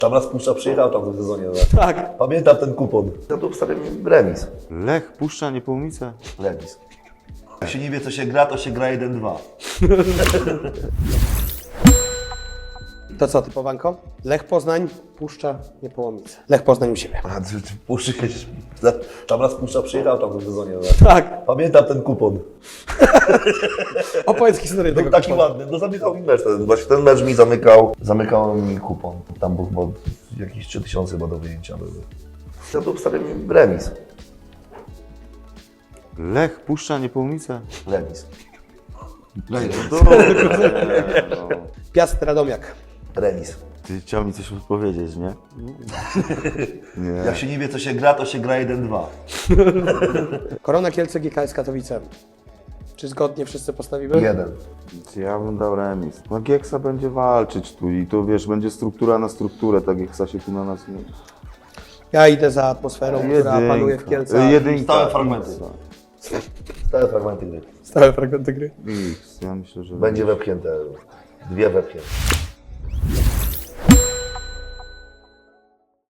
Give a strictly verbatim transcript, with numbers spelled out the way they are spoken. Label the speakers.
Speaker 1: Tam raz Puszcza przyjechał tam w tym sezonie. Tak.
Speaker 2: Tak.
Speaker 1: Pamiętam ten kupon. Ja tu obstawiam remis.
Speaker 3: Lech, Puszcza, Niepołomice.
Speaker 1: Remis. Jak się nie wie, co się gra, to się gra jeden dwa.
Speaker 2: To co, typowanko? Lech Poznań, Puszcza, Niepołomice. Lech Poznań u siebie.
Speaker 1: A, czy, czy Puszczy kiedyś... Tam raz Puszcza przyjechał tam w tym sezonie. Tak.
Speaker 2: Tak.
Speaker 1: Pamiętam ten kupon.
Speaker 2: Opowiedz historię tego
Speaker 1: Był taki
Speaker 2: kuponu.
Speaker 1: ładny, no zamykał mi mecz. Ten, właśnie ten mecz mi zamykał, zamykał mi kupon. Tam był chyba jakieś trzy tysiące chyba do wyjęcia były. Ja tu obstawiam remis.
Speaker 3: Lech, Puszcza, Niepołomice.
Speaker 1: Remis.
Speaker 3: No dobra, no.
Speaker 2: Piast Radomiak.
Speaker 1: Remis.
Speaker 3: Ty chciał mi coś odpowiedzieć, nie? Nie.
Speaker 1: Jak się nie wie, co się gra, to się gra jeden dwa.
Speaker 2: Korona Kielce, G K S Katowice. Czy zgodnie wszyscy postawimy?
Speaker 1: Jeden.
Speaker 3: Ja bym dał remis. No Gieksa będzie walczyć tu i to wiesz, będzie struktura na strukturę, tak Gieksa się tu na nas nie...
Speaker 2: Ja idę za atmosferą, która panuje w Kielcach.
Speaker 3: Jedynka.
Speaker 1: Stałe fragmenty. Stałe fragmenty gry.
Speaker 2: Stałe fragmenty gry.
Speaker 3: X, ja myślę, że...
Speaker 1: Będzie wepchnięte. Dwie wepchnięte.